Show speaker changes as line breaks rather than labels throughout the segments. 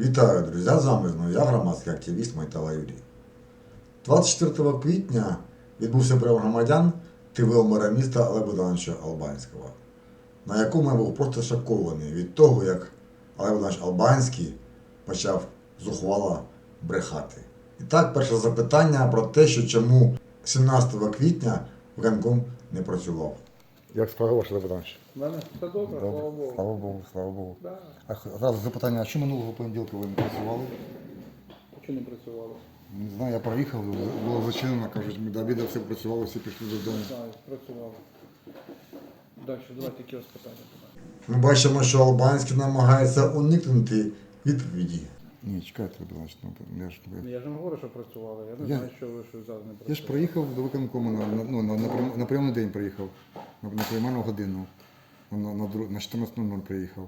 Вітаю, друзі! З вами знову я, громадський активіст Майтала Юрій. 24 квітня відбувся прийом громадян ТВО мера міста Олега Богдановича Албанського, на якому я був просто шокований від того, як Олег Богданович Албанський почав зухвало брехати. І так, перше запитання про те, що чому 17 квітня виконком не працював. Як справа ваша, Олег Богданович?
У мене все добре, слава Богу.
Слава Богу, слава Богу.
Да.
А зараз запитання, а чому минулого понеділка ви не працювали?
Чи не працювало?
Не знаю, я проїхав, було зачинено, кажуть, ми до обіду все працювали, всі пішли додому.
Не знаю, працювало. Далі, давайте які у вас питання.
Ми бачимо, що Албанський намагається уникнути відповіді. Ні, чекайте, значить,
Я ж не говорю, що працювали, я не знаю, що ви що зараз не працювали.
Я ж приїхав до виконкому, на прийомний день приїхав, на приймальну годину, на 14:00 приїхав.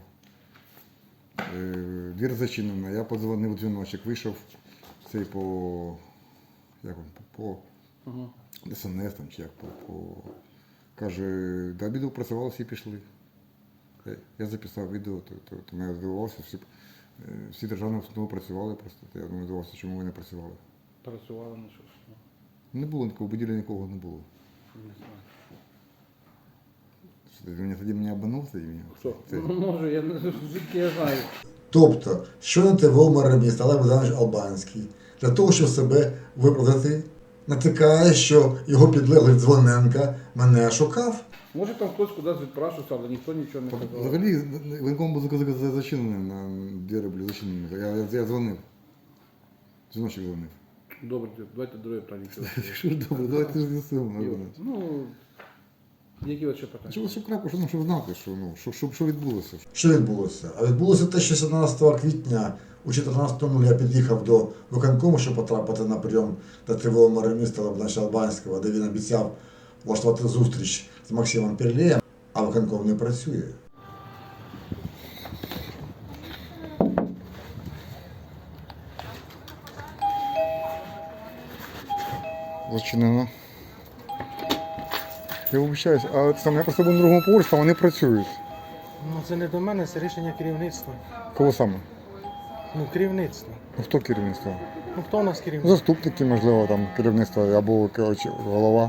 Двір зачинена, я подзвонив у дзвіночок, вийшов цей по СНС там, чи як, каже, до обіду працювали, всі пішли. Я записав відео, то мене здивувався, всі державні установи працювали просто, я думаю, здивувався, чому ви не працювали.
Працювали, ну що ж.
Не було нікого, в будівлі нікого не було.
Не знаю.
Ти тоді мене обманув?
Хто? Ну, може, я не звідки я знаю.
Тобто, що на ТВО мера міста Олег Богданович Албанський, для того, щоб себе виправдати, натикає, що його підлеглий Дзвоненко мене шукав.
Може там хтось кудись відпрашився, але ніхто нічого не казав.
Взагалі, воєнком був зачинений, на двері були зачинені. Я дзвонив. Дзвіночок дзвонив.
Добре, давайте друге питання.
Що ж добре, давайте ж з'ясуємо.
Ну, які от ще питання?
Щоб крапку, щоб знати, що відбулося. Що відбулося? А відбулося те, що 17 квітня у 14:00 я під'їхав до виконкому, щоб потрапити на прийом до ТВО мера міста Олега Богдановича Албанського, де він обіцяв влаштувати зустріч з Максимом Перлеєм, а виконком не працює. Зачинено. Я вибачаюсь, а я просто був на другому поверсі, а вони працюють.
Ну це не до мене, це рішення керівництва.
Кого саме?
Ну, керівництво.
Ну, хто керівництво?
Ну хто у нас керівник?
Заступники, можливо, там керівництво або голова.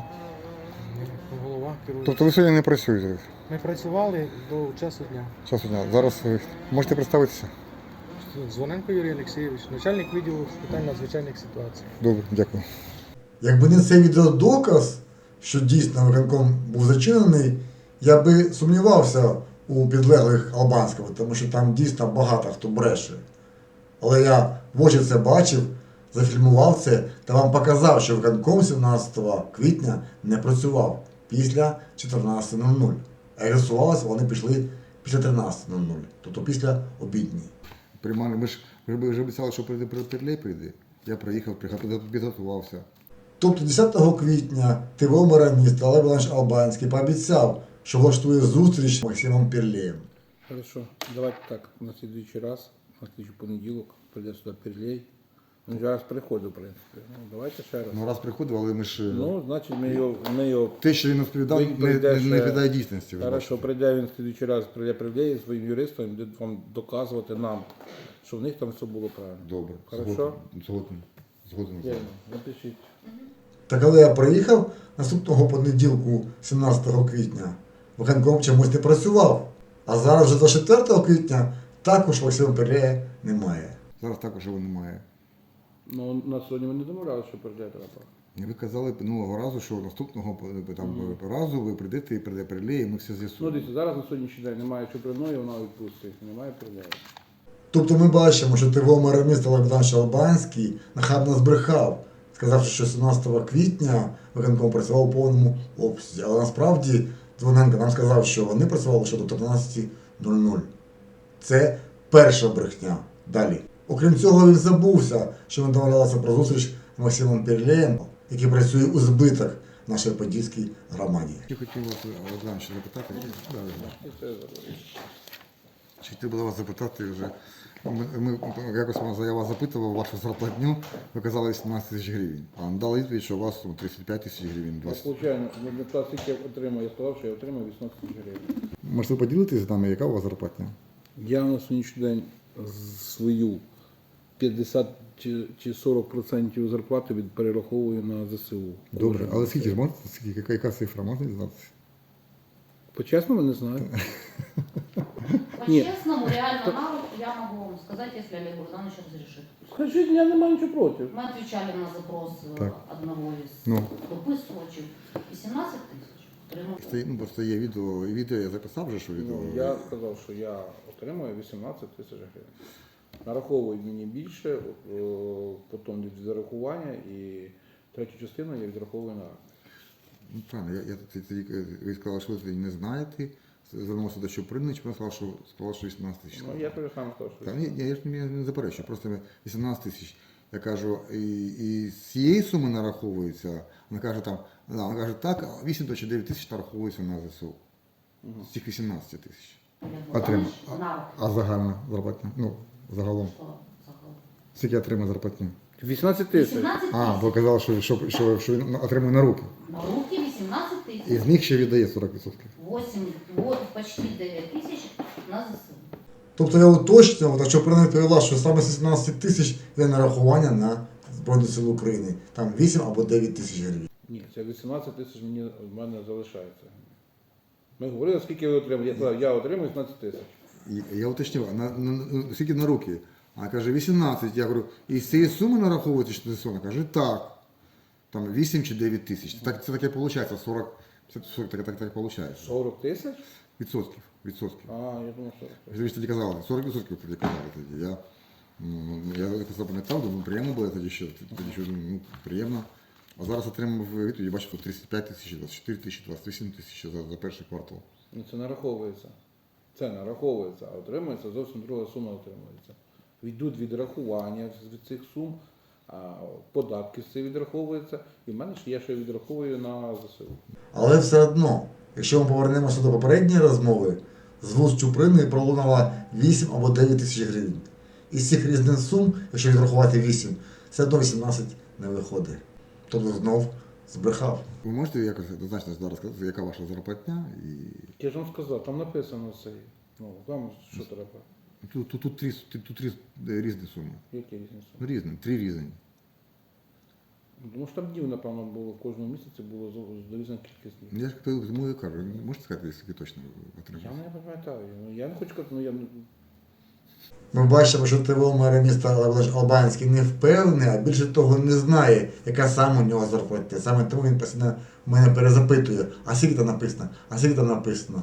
Голова керує.
Тобто ви сьогодні не працюєте?
Ми працювали до часу дня.
Часу дня. Зараз ви можете представитися?
Дзвоненко Юрій Олексійович, начальник відділу з питань надзвичайних ситуацій.
Добре, дякую. Якби не цей відеодоказ, що дійсно виконком був зачинений, я би сумнівався у підлеглих Албанського, тому що там дійсно багато хто бреше. Але я в очі це бачив, зафільмував це та вам показав, що виконком 17 квітня не працював після 14:00. А реєструвалися вони пішли після 13:00, тобто після обідні. Ми ж вже обіцяли, що Перлей прийде. Я приїхав, підготувався. Тобто 10 квітня ТВО мера міста Олег Богданович Албанський пообіцяв, що влаштує зустріч з Максимом Перлеєм.
Хорошо, давайте так, на слідуючий раз, на слідуючий понеділок, прийде сюди Перлей. Він вже раз приходив, в принципі. Ну, давайте ще раз.
Ну, раз приходив, але ми ж...
Ну, значить, ми його...
Те, що він розповідав, не відповідає дійсності.
Хорошо, прийде він в слідуючий раз, прийде Перлей зі своїм юристом, і буде вам доказувати нам, що в них там все було правильно.
Добре.
Хорошо?
Згоден.
Напишіть.
Та коли я приїхав наступного понеділку, 17 квітня, виконком чомусь не працював. А зараз вже 24 квітня також Максима Перлея немає. Зараз також його немає.
Ну, на сьогодні ми не домовляли, що Перлей треба.
Ви казали минулого разу, що наступного разу ви прийдете і прийде Перлей, і ми все
Ну,
з'ясуємо.
дивіться, зараз на сьогоднішній день немає Чуприної, вона відпустить, немає Перлея.
Тобто ми бачимо, що ТВО мера міста Олег Богданович Албанський нахабно збрехав, сказавши, що 17 квітня виконком працював у повному обсязі. Але насправді Дзвоненко нам сказав, що вони працювали лише до 13:00. Це перша брехня. Далі. Окрім цього, він забувся, що ми домовлялися про зустріч з Максимом Перлеєм, який працює у збиток в нашій Подільській громаді. Я хотів вас, Олег запитати. Чи хотів би вас запитати вже, якось я вас запитував вашу зарплатню, ви казали 17 тисяч гривень, а дали відповідь, що у вас 35 тисяч гривень.
Звичайно, скільки я отримав, я сказав, що я отримав 18 тисяч гривень.
Можете поділитися з нами, яка у вас зарплатня?
Я на сьогоднішній день свою 50 чи 40% зарплати перераховую на ЗСУ.
Добре, але скільки ж можна? Скільки, яка цифра можна дізнатися?
По-чесному не знаю. Нет.
По-честному, реально на руку я могу вам сказать, если Олег Богданович разрешит.
Скажіть, я не маю нічого проти.
Мы отвечали на запрос
Так.
одного из
Ну.
дописувачів. 18 тисяч. Отримав.
Просто є відео я записав вже, що відео.
Ну, я сказав, що я отримую 18 тисяч гривень. Нараховують мені більше, потім від зарахування і третю частину я відраховую на армію.
Ну, правильно, ви сказали, що ви не знаєте, звернувся до Чупринич, вона сказала, що 18 тисяч.
Ну, я тобі сам сказав, що
Та, ні, я ж не заперечую, просто 18 тисяч. Я кажу, і з цієї суми нараховується, вона каже, так, 8 чи 9 тисяч нараховується на ЗСУ. З цих 18 тисяч.
Олег
Отримав.
Богданович на руку.
А загальна зарплатня? Ну, загалом.
Що загалом?
Скільки отримає зарплатню?
18 тисяч.
18
А,
тисяч.
бо казали, що він отримує на руки.
На руки 18
І
тисяч.
з них ще віддає 40%.
8, вот почти 9 тисяч на ЗСУ.
Тобто я уточнював, так що Чуприна відповіла, що саме 17 тисяч є нарахування на Збройні Сили України. Там 8 або 9 тисяч гривень.
Ні, це 18 тисяч в мене залишається. Ми говорили, скільки ви отримуєте. Я сказав, я отримую 18 тисяч.
І я уточнював, скільки на руки? А каже, 18. Я говорю, і з цієї суми нараховується 400? Вона каже, так. Там 8 чи 9 тисяч. Так, це таке виходить, 40, так виходить.
40 тисяч?
Відсотків.
А, я думав, 40 тисяч.
Ви ж тоді казали, 40% тоді казали тоді. Я це запам'ятав, думаю, приємно було тоді що думаю, ну, приємно. А зараз отримав відповідь, я бачу, тут 35 тисяч, 24 тисячі, 28 тисяч за перший квартал.
Ну, це нараховується. Це нараховується, а отримується зовсім друга сума отримується. Йдуть відрахування з цих сум, податки з цих відраховуються, і в мене ж я ще відраховую на ЗСУ.
Але все одно, якщо ми повернемося до попередньої розмови, з вуст Чуприни пролунало 8 або 9 тисяч гривень. Із цих різних сум, якщо відрахувати 8, все одно 18 не виходить. Тобто знов збрехав.
Ви можете якось однозначно зараз сказати, яка ваша зарплатня? І...
Я ж вам сказав, там написано все. Ну, вам що треба?
Тут три різні суми.
Які різні суми?
Ну, різні, 3 різні.
Тому що там днів, напевно, було в кожному місяці було різна кількість днів.
Я ж тому і кажу, можете сказати, скільки точно
Я
отримали?
не пам'ятаю. Ну, я не хочу сказати, ну я
Ми бачимо, що ТВО мера міста Албанський не впевнений, а більше того не знає, яка саме у нього зарплатня. Саме тому він постійно в мене перезапитує, а скільки там написано, а скільки там написано.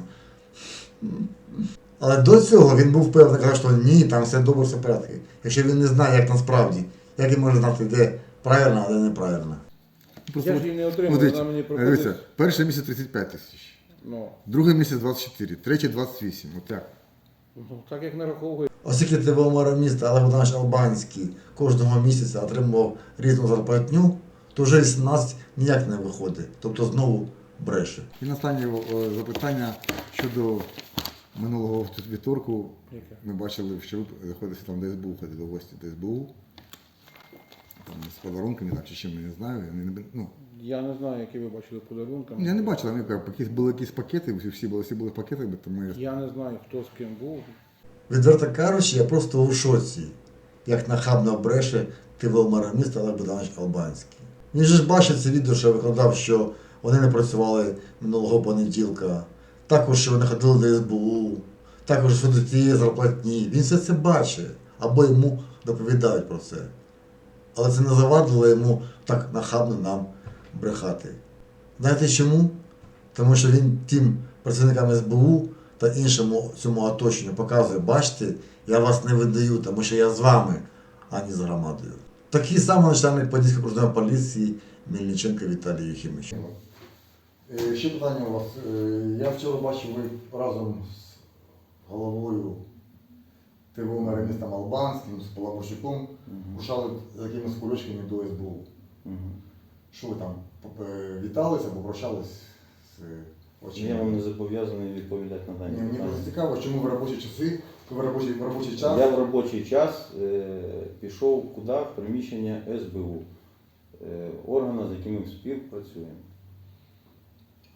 Але до цього він був впевнений, казав, що ні, там все добре, все в порядку. Якщо він не знає, як насправді, як він може знати, де правильно, а де неправильно.
Я ж її не отримав,
дивіться,
вона мені приходить.
дивіться, перший місяць 35 тисяч,
Ну,
другий місяць 24, третій 28. От як?
ну, так як нараховує.
Оскільки ТВО мера міста Олег Богданович Албанський кожного місяця отримував різну зарплатню, то вже 18 ніяк не виходить. Тобто знову бреше.
І останнє запитання щодо минулого вівторку.
Яке?
Ми бачили, що ви заходите там до СБУ, ходили в гості до СБУ. Там, з подарунками, так, чи чим, я не знаю. Ну,
Я не знаю, які ви бачили подарунки.
я не бачив, були якісь пакети, всі були в пакетах, тому я...
Я не знаю, хто з ким був.
Відверто кажучи, я просто у шоці, як нахабно бреше ТВО мера міста Олег Богданович Албанський. Він же ж бачив це відео, що я викладав, що вони не працювали минулого понеділка, також, що вони ходили до СБУ, також щодо цієї зарплатні. Він все це бачить, або йому доповідають про це. Але це не завадило йому так нахабно нам брехати. Знаєте чому? Тому що він тим працівникам СБУ та іншому цьому оточенню показує, бачите, я вас не видаю, тому що я з вами, а не з громадою. Такий самий начальник Подільської окружної поліції Мельниченко Віталій Єхимович. Ще питання у вас. Я вчора бачив, ви разом з головою ТВО мера міста Албанським, з Полабощуком, рушали з якимись кульочками до СБУ. Що ви там, віталися, попрощались з очима?
Я вам не зобов'язаний відповідати на дані
Мені
питання.
просто цікаво, чому в робочі часи, в робочий час.
Я в робочий час пішов куди? В приміщення СБУ, органу, з яким ми співпрацюємо.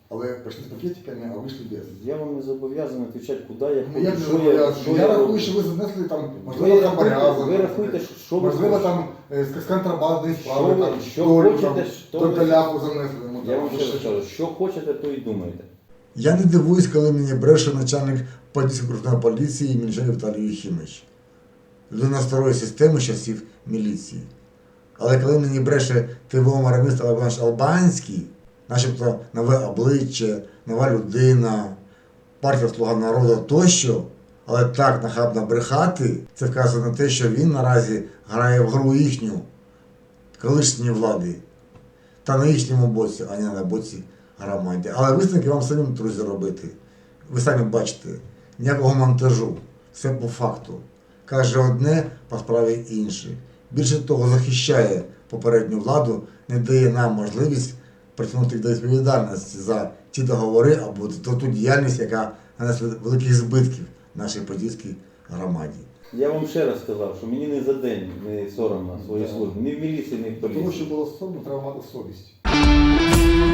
але прийшли з пакетиками, а вийшли без.
Я вам не зобов'язаний відповідати, куди я
Ну, я не
що
зобов'язаний. Я
роблю.
рахую, що ви занесли там, можливо,
Ви
хабаря
рахуйте, ви
занесли.
рахуйте, що ви
Можливо,
хочете.
там з контрабандної справи,
Що ви-
там,
що
долю,
хочете,
там,
що ви-
доляку занесли. йому,
Я
там,
вам ще раз кажу, що хочете, то і думайте.
Я не дивуюсь, коли мені бреше начальник Подільської окружної поліції Мільчан Віталій Юхімович. Людина старої системи з часів міліції. Але коли мені бреше ТВО Мараміст Олег Албанський, начебто нове обличчя, нова людина, партія Слуга народу тощо, але так нахабно брехати, це вказує на те, що він наразі грає в гру їхню, колишньої влади, та на їхньому боці, а не на боці громаді. Але висновки вам самим, друзі, робити. Ви самі бачите, ніякого монтажу, все по факту. Каже одне, по справі інше. Більше того, захищає попередню владу, не дає нам можливість притягнути їх до відповідальності за ті договори або за ту діяльність, яка нанесла великих збитків нашій подільській громаді.
Я вам ще раз сказав, що мені не за день не соромно своєї служби. Ні в міліції, ні в
Для того,
поліції.
щоб було соромно, треба мати совість.